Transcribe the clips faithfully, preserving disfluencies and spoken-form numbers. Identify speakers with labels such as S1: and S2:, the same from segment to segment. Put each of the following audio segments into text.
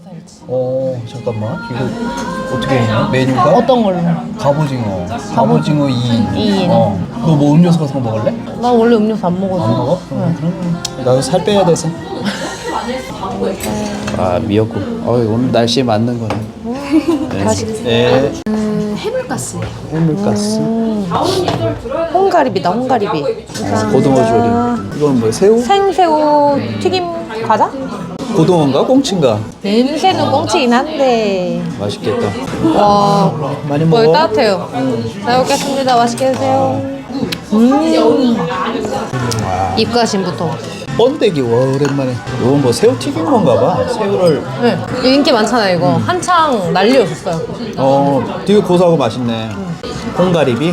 S1: 살지.
S2: 어 잠깐만 이거 어떻게 있냐 메뉴가?
S1: 어떤 걸로?
S2: 갑오징어 갑오징어 이 인.
S1: 이 인.
S2: 어. 너 뭐 음료수 같은 거 먹을래?
S1: 나 원래 음료수 안 먹어서.
S2: 안 먹어? 응. 그러면 나도 살 빼야 돼서. 아 미역국. 어 오늘 날씨에 맞는 거네. 네.
S1: 맛있겠어.
S2: 네.
S1: 음, 해물가스예요.
S2: 해물가스.
S1: 홍가리비다, 홍가리비.
S2: 고등어 조림. 이건 뭐야? 새우?
S1: 생새우 튀김 과자?
S2: 고등어인가? 꽁치인가?
S1: 냄새는 꽁치긴 한데.
S2: 맛있겠다.
S1: 와,
S2: 많이
S1: 거의
S2: 먹어.
S1: 따뜻해요. 잘 먹겠습니다. 맛있게 드세요. 음. 입가심부터.
S2: 번데기 와 오랜만에. 이건 뭐 새우 튀긴 건가 봐. 새우를
S1: 네, 이거 인기 많잖아요. 이거 한창 난리였었어요.
S2: 어 되게 고소하고 맛있네. 홍가리비.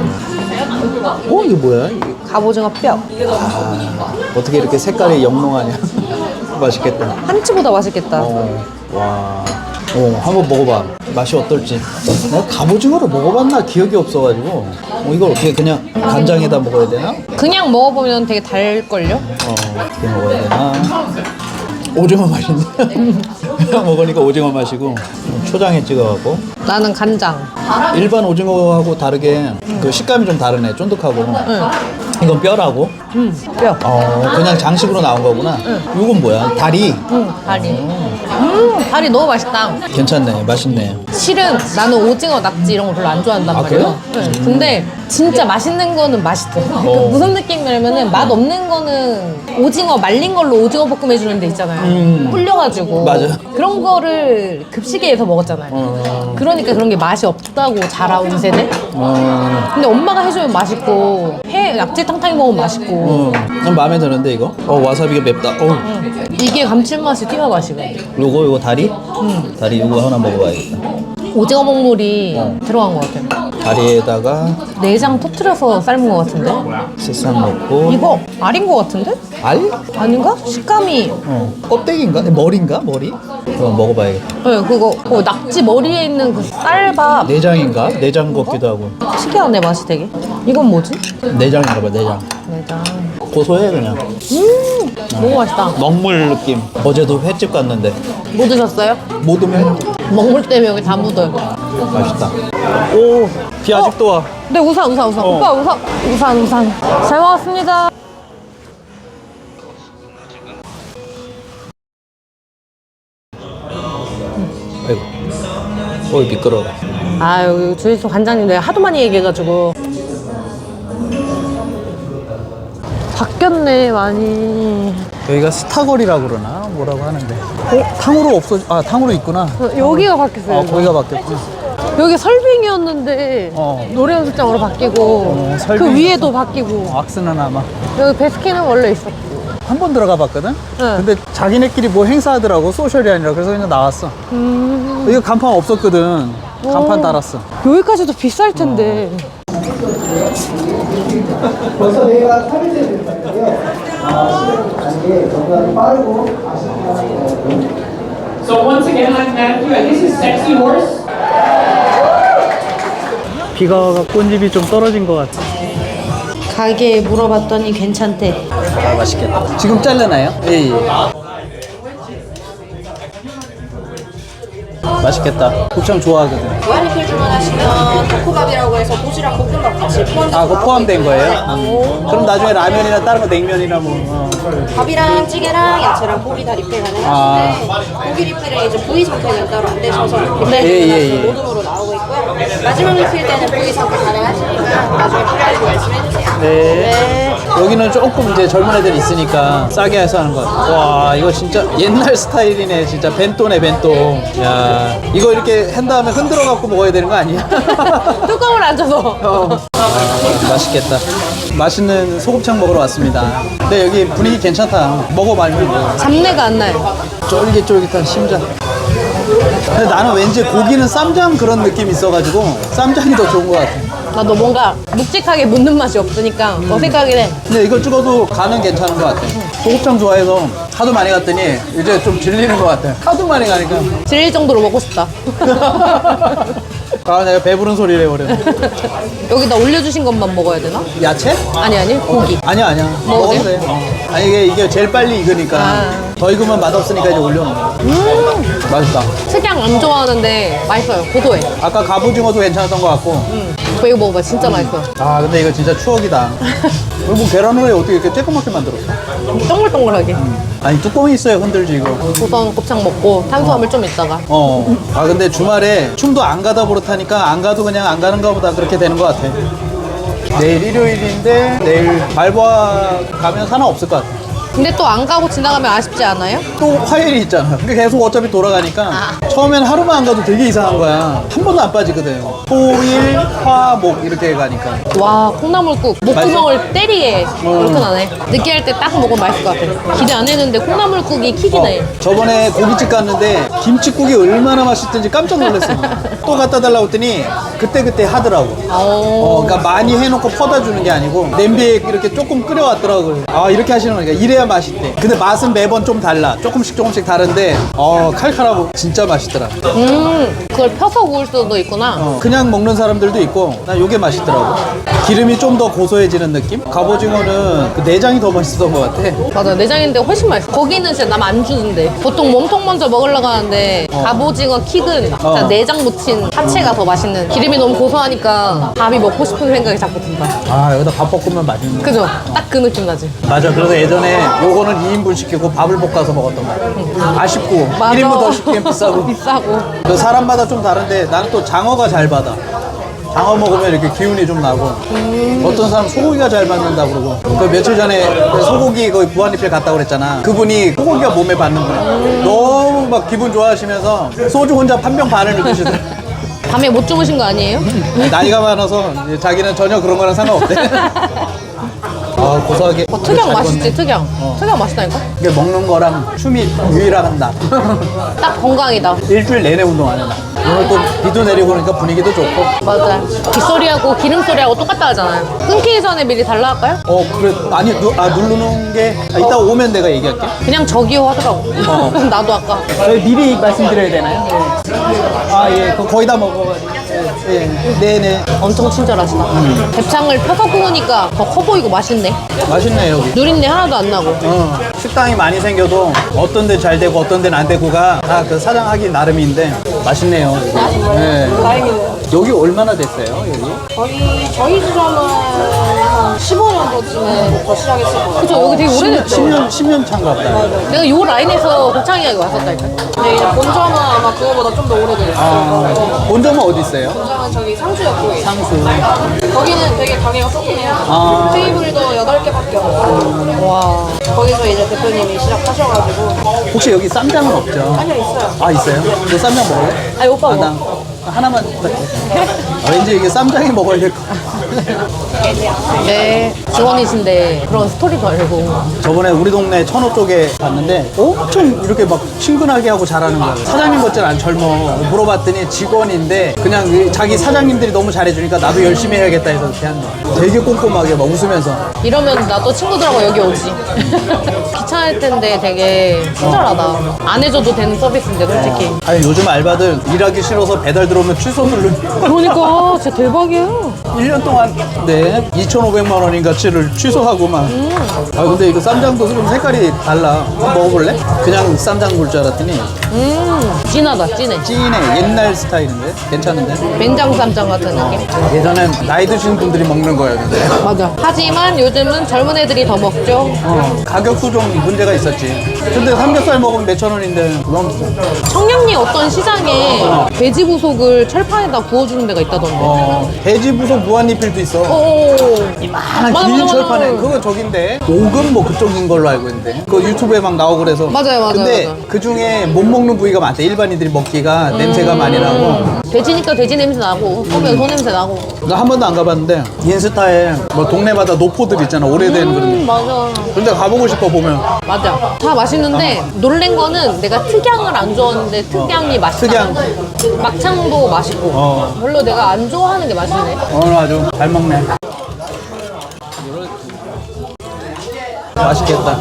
S2: 어 이거 뭐야? 이게
S1: 갑오징어 뼈.
S2: 어떻게 이렇게 색깔이 영롱하냐? 맛있겠다.
S1: 한치보다 맛있겠다.
S2: 어, 와. 어, 한번 먹어봐. 맛이 어떨지. 내가 갑오징어를 먹어봤나 기억이 없어가지고. 어, 이걸 어떻게 그냥 간장에다 먹어야 되나?
S1: 그냥 먹어보면 되게 달걸요?
S2: 어, 어떻게 먹어야 되나? 오징어 맛인데? 그냥 먹으니까 오징어 맛이고. 초장에 찍어갖고.
S1: 나는 간장.
S2: 일반 오징어하고 다르게 그 식감이 좀 다르네. 쫀득하고.
S1: 응.
S2: 이건 뼈라고?
S1: 음, 뼈.
S2: 어, 그냥 장식으로 나온 거구나. 이건 뭐야? 다리?
S1: 음, 다리. 음, 다리 너무 맛있다.
S2: 괜찮네. 맛있네.
S1: 실은 나는 오징어, 낙지 이런 거 별로 안 좋아한단
S2: 아,
S1: 말이에요. 네. 근데 진짜 맛있는 거는 맛있어. 그 무슨 느낌이냐면은 맛 없는 거는 오징어 말린 걸로 오징어 볶음 해주는 데 있잖아요.
S2: 음.
S1: 불려가지고.
S2: 맞아.
S1: 그런 거를 급식에서 먹었잖아요.
S2: 어.
S1: 그러니까 그런 게 맛이 없다고 자라온 세대?
S2: 어,
S1: 근데 엄마가 해주면 맛있고 해 낙지 탕탕이 먹으면 맛있고
S2: 어, 난 마음에 드는데 이거? 어 와사비가 맵다. 어,
S1: 이게 감칠맛이 튀어 맛이고
S2: 요거 요거 다리? 응. 다리 요거 하나 먹어봐야겠다.
S1: 오징어 먹물이 들어간 것 같아요.
S2: 다리에다가
S1: 내장 터트려서 삶은 것 같은데?
S2: 새싹 넣고.
S1: 이거 알인 것 같은데?
S2: 알?
S1: 아닌가? 식감이
S2: 어, 껍데기인가? 머리인가? 머리? 그럼 먹어봐야겠다.
S1: 네, 그거 어, 낙지 머리에 있는 그 쌀밥
S2: 내장인가? 내장 같기도 하고.
S1: 특이하네 맛이 되게. 이건 뭐지?
S2: 내장인가 봐. 내장.
S1: 내장.
S2: 고소해 그냥.
S1: 음 너무 맛있다.
S2: 먹물 느낌. 어제도 횟집 갔는데
S1: 뭐 드셨어요?
S2: 모둠회
S1: 먹물 때문에 여기 다 묻어요.
S2: 맛있다. 오, 비 아직도 와.
S1: 네 우산 우산 우산.
S2: 어.
S1: 오빠 우산 우산 우산. 잘 먹었습니다.
S2: 아이고. 어이 미끄러워.
S1: 아유 주유소 관장님 내가 하도 많이 얘기해가지고 바뀌었네 많이.
S2: 여기가 스타거리라고 그러나 뭐라고 하는데. 어? 탕후루 없어. 아 탕후루 있구나.
S1: 어, 여기가 바뀌었어요.
S2: 어 거기가 바뀌었구나.
S1: 여기 설빙이었는데
S2: 어.
S1: 노래 연습장으로 바뀌고
S2: 어,
S1: 그
S2: 설빙
S1: 위에도 바뀌고
S2: 왁스는 아마
S1: 여기 베스킨은 원래 있었고.
S2: 한 번 들어가 봤거든? 근데 자기네끼리 뭐 행사하더라고. 소셜이 아니라. 그래서 그냥 나왔어.
S1: 음.
S2: 여기 간판 없었거든. 간판
S1: 오.
S2: 달았어.
S1: 여기까지도 비쌀 텐데.
S3: 벌써 내가 타겟을 드렸는데요. 단계 정말 빠르고 아쉽게
S4: So once again, I'm Matthew, and this is Sexy Horse.
S2: 비가 와서 꽃잎이 좀 떨어진 것 같아.
S1: 가게에 물어봤더니 괜찮대.
S2: 아 맛있겠다. 지금 잘라나요? 예, 예. 맛있겠다. 곱창 좋아하거든.
S5: 무한리필 주문하시면 덕후밥이라고 해서 도시락 볶음밥 같이 포함돼서
S2: 아, 그거
S5: 나오고
S2: 포함된
S5: 있고요.
S2: 거예요? 음. 그럼 나중에 라면이나 다른 거 냉면이나 뭐. 어.
S5: 밥이랑 찌개랑 야채랑 고기 다 리필 가능하신데 고기 리필에 이제 부위 선택은 따로 안 되셔서 리필
S2: 예, 예,
S5: 가능하신
S2: 예.
S5: 모둠으로 나오고 있고요. 마지막 리필 때는 부위 선택 가능하시니까 나중에 필요하시면 말씀해주세요.
S2: 네. 여기는 조금 이제 젊은 애들 있으니까 싸게 해서 하는 것 같아. 와, 이거 진짜 옛날 스타일이네. 진짜 벤또네, 벤또. 야, 이거 이렇게 한 다음에 흔들어 갖고 먹어야 되는 거 아니야?
S1: 뚜껑을 안 져서.
S2: 어. 맛있겠다. 맛있는 소곱창 먹으러 왔습니다. 근데 여기 분위기 괜찮다. 먹어봐면
S1: 잡내가 안 나요.
S2: 쫄깃쫄깃한 심장. 근데 나는 왠지 고기는 쌈장 그런 느낌이 있어가지고 쌈장이 더 좋은 것 같아.
S1: 나도 뭔가 묵직하게 묻는 맛이 없으니까 어색하긴 해.
S2: 근데 이거 찍어도 간은 괜찮은 것 같아. 소곱창 좋아해서 하도 많이 갔더니 이제 좀 질리는 것 같아. 하도 많이 가니까.
S1: 질릴 정도로 먹고 싶다.
S2: 아, 내가 배부른 소리를 해버려.
S1: 여기다 올려주신 것만 먹어야 되나?
S2: 야채?
S1: 아니 아니 고기.
S2: 아니야, 아니야.
S1: 먹어도
S2: 먹어도 돼. 어. 아니, 이게, 이게 제일 빨리 익으니까.
S1: 아.
S2: 더 익으면 맛없으니까 이제 올려놓는 거야.
S1: 음
S2: 맛있다.
S1: 특양 안 좋아하는데 맛있어요. 고소해.
S2: 아까 갑오징어도 괜찮았던 것 같고.
S1: 음. 오빠 이거 먹어봐. 진짜 맛있어.
S2: 아 근데 이거 진짜 추억이다. 이거 뭐 계란 후라이 어떻게 이렇게 쬐끄맣게 만들었어?
S1: 동글동글하게.
S2: 아니 뚜껑이 있어야 흔들지 이거.
S1: 우선 곱창 먹고 탄수화물 좀 있다가.
S2: 어. 아 근데 주말에 춤도 안 가다 버릇하니까 안 가도 그냥 안 가는가 보다 그렇게 되는 것 같아. 내일 일요일인데 내일 말보아 가면 상관없을 것 같아.
S1: 근데 또 안 가고 지나가면 아쉽지 않아요?
S2: 또 화요일이 있잖아. 근데 계속 어차피 돌아가니까
S1: 아.
S2: 처음엔 하루만 안 가도 되게 이상한 거야. 한 번도 안 빠지거든. 토, 일, 화, 목 이렇게 가니까.
S1: 와 콩나물국 목구멍을 때리게
S2: 음.
S1: 이렇게 나네. 느끼할 때 딱 먹으면 맛있을 것 같아. 기대 안 했는데 콩나물국이 킥이네.
S2: 어, 저번에 고깃집 갔는데 김치국이 얼마나 맛있던지 깜짝 놀랐어. 또 갖다 달라고 했더니 그때그때 하더라고. 어, 그러니까 많이 해놓고 퍼다 주는 게 아니고 냄비에 이렇게 조금 끓여왔더라고요. 아 이렇게 하시는 거니까 이래야 맛있대. 근데 맛은 매번 좀 달라. 조금씩 조금씩 다른데 어 칼칼하고 진짜 맛있더라.
S1: 음 그걸 펴서 구울 수도 있구나.
S2: 어, 그냥 먹는 사람들도 있고 난 요게 맛있더라고. 기름이 좀 더 고소해지는 느낌? 갑오징어는 그 내장이 더 맛있었던 것 같아.
S1: 맞아 내장인데 훨씬 맛있어. 거기는 진짜 남 안 주는데 보통 몸통 먼저 먹으려고 하는데 갑오징어 킥은 진짜
S2: 어.
S1: 내장 묻힌 하체가 더 맛있는. 기름이 너무 고소하니까 밥이 먹고 싶은 생각이 자꾸 든다.
S2: 아 여기다 밥 볶으면 맛있네.
S1: 그죠? 딱 그 느낌 나지.
S2: 맞아. 그래서 예전에 요거는 이 인분 시키고 밥을 볶아서 먹었던 거야. 아쉽고
S1: 맞아.
S2: 일 인분 더 시키면 비싸고.
S1: 비싸고.
S2: 그 사람마다 좀 다른데 나는 또 장어가 잘 받아. 장어 먹으면 이렇게 기운이 좀 나고.
S1: 음.
S2: 어떤 사람 소고기가 잘 받는다 그러고. 그 며칠 전에 그 소고기 거기 무한리필 갔다 그랬잖아. 그분이 소고기가 몸에 받는구나.
S1: 음.
S2: 너무 막 기분 좋아하시면서 소주 혼자 한 병 반을 드시더라.
S1: 밤에 못 주무신 거 아니에요?
S2: 나이가 많아서 이제 자기는 전혀 그런 거랑 상관없대. 아 고소하게.
S1: 어, 특양
S2: 잘
S1: 맛있지
S2: 익었네.
S1: 특양.
S2: 어.
S1: 특양 맛있다니까?
S2: 이게 먹는 거랑 춤이 유일한다.
S1: 딱 건강이다.
S2: 일주일 내내 운동하네 나. 오늘 또 비도 내리고 그러니까 분위기도 좋고.
S1: 맞아. 빗소리하고 기름소리하고 똑같다 하잖아요. 끊기기 전에 미리 달라 할까요?
S2: 어 그래. 아니 누, 아 누르는 게 아, 이따 오면 내가 얘기할게.
S1: 그냥 저기요 하더라고.
S2: 어.
S1: 나도 아까.
S2: 저희 미리 말씀드려야 되나요? 아예 거의 다 먹어가지고. 예, 예. 네네.
S1: 엄청 친절하시다. 대창을 펴서 구우니까 더 커 보이고 맛있네.
S2: 맛있네 여기.
S1: 누린내 하나도 안 나고.
S2: 어, 식당이 많이 생겨도 어떤 데 잘 되고 어떤 데는 안 되고가 다 그 사장 하기 나름인데 맛있네요. 네.
S5: 다행이네요.
S2: 여기 얼마나 됐어요? 여기?
S5: 저희 저희 지점은 한 십오 년 전쯤에 시작했을 거예요.
S1: 그죠? 여기 되게 오래됐죠?
S2: 십 년, 십 년 차인가 보다.
S1: 내가 요 라인에서 곱창이가 왔었다니까.
S5: 근데 이제 본점은 아마 그거보다 좀 더 오래돼요.
S2: 아, 본점은 어디 있어요?
S5: 본점은 저기 상수역 쪽에
S2: 상수.
S5: 거기는 되게 가게가 조그매요.
S2: 아.
S5: 테이블도 여덟 개밖에 없고.
S1: 와.
S5: 거기서 이제 대표님이 시작하셔가지고.
S2: 혹시 여기 쌈장은 없죠?
S5: 아니요, 있어요.
S2: 아 있어요? 너 쌈장 먹을래?
S1: 아니 오빠
S2: 아,
S1: 뭐.
S2: 나 하나만 부탁해. 아, 왠지 이게 쌈장이 먹어야 될 것 같아.
S1: 네. 직원이신데 그런 스토리도 알고.
S2: 저번에 우리 동네 천호 쪽에 갔는데 엄청 이렇게 막 친근하게 하고 잘하는 거예요. 사장님 같진 않 젊어. 물어봤더니 직원인데 그냥 이 자기 사장님들이 너무 잘해주니까 나도 열심히 해야겠다 해서 이렇게 한 거야. 되게 꼼꼼하게 막 웃으면서.
S1: 이러면 나도 친구들하고 여기 오지. 귀찮을 텐데 되게 친절하다. 안 해줘도 되는 서비스인데 솔직히.
S2: 아니 요즘 알바들 일하기 싫어서 배달 들어오면 취소 누르는.
S1: 그러니까 진짜 대박이에요.
S2: 일 년 동안 네 이천오백만 원인가치를 취소하고 막. 아 근데 이거 쌈장도 좀 색깔이 달라. 한번 먹어볼래? 그냥 쌈장 물 줄 알았더니
S1: 음 진하다 진해.
S2: 찐해. 옛날 스타일인데 괜찮은데?
S1: 된장 쌈장 같은 느낌.
S2: 예전엔 나이 드신 분들이 먹는 거였는데
S1: 맞아. 하지만 요즘은 젊은 애들이 더 먹죠.
S2: 어, 가격도 좀 문제가 있었지. 근데 삼겹살 먹으면 몇천 원인데 너무 비싸.
S1: 청량리 어떤 시장에 돼지 부속을 철판에다 구워주는 데가 있다던데.
S2: 어, 돼지 부속 무한리필도 있어.
S1: 오.
S2: 이만한
S1: 맞아,
S2: 긴
S1: 맞아,
S2: 철판에
S1: 맞아.
S2: 그거 저긴데 오금 뭐 그쪽인 걸로 알고 있는데 그 유튜브에 막 나오고 그래서
S1: 맞아요, 맞아요,
S2: 근데
S1: 맞아요.
S2: 그 중에 못 먹는 부위가 많대. 일반인들이 먹기가 냄새가 많이 나고.
S1: 돼지니까 돼지 냄새 나고 소면 소 냄새 나고.
S2: 나 한 번도 안 가봤는데 인스타에 뭐 동네마다 노포들 있잖아. 오래된 그런.
S1: 음 맞아.
S2: 근데 가보고 싶어 보면.
S1: 맞아. 다 맛있는데 놀란 거는 내가 특양을 안 좋아하는데 특양이 맛있다.
S2: 특양.
S1: 막창도 맛있고.
S2: 어.
S1: 별로 내가 안 좋아하는 게 맛있네.
S2: 오늘 아주 잘 먹네. 맛있겠다.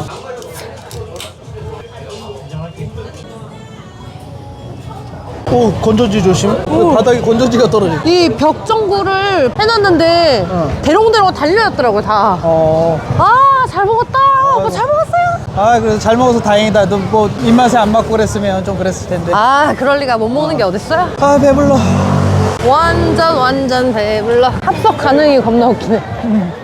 S2: 오 건전지 조심. 바닥에 건전지가 떨어져.
S1: 이 벽 전구를 해놨는데 대롱대롱 달려있더라고요 다.
S2: 어.
S1: 아 잘 먹었다. 오빠 잘 먹었어요.
S2: 아, 그래도 잘 먹어서 다행이다. 너 뭐 입맛에 안 맞고 그랬으면 좀 그랬을 텐데.
S1: 아 그럴 리가. 못 먹는 게 어딨어요?
S2: 아, 배불러.
S1: 완전 완전 배불러. 합석 가능이 겁나 웃기네.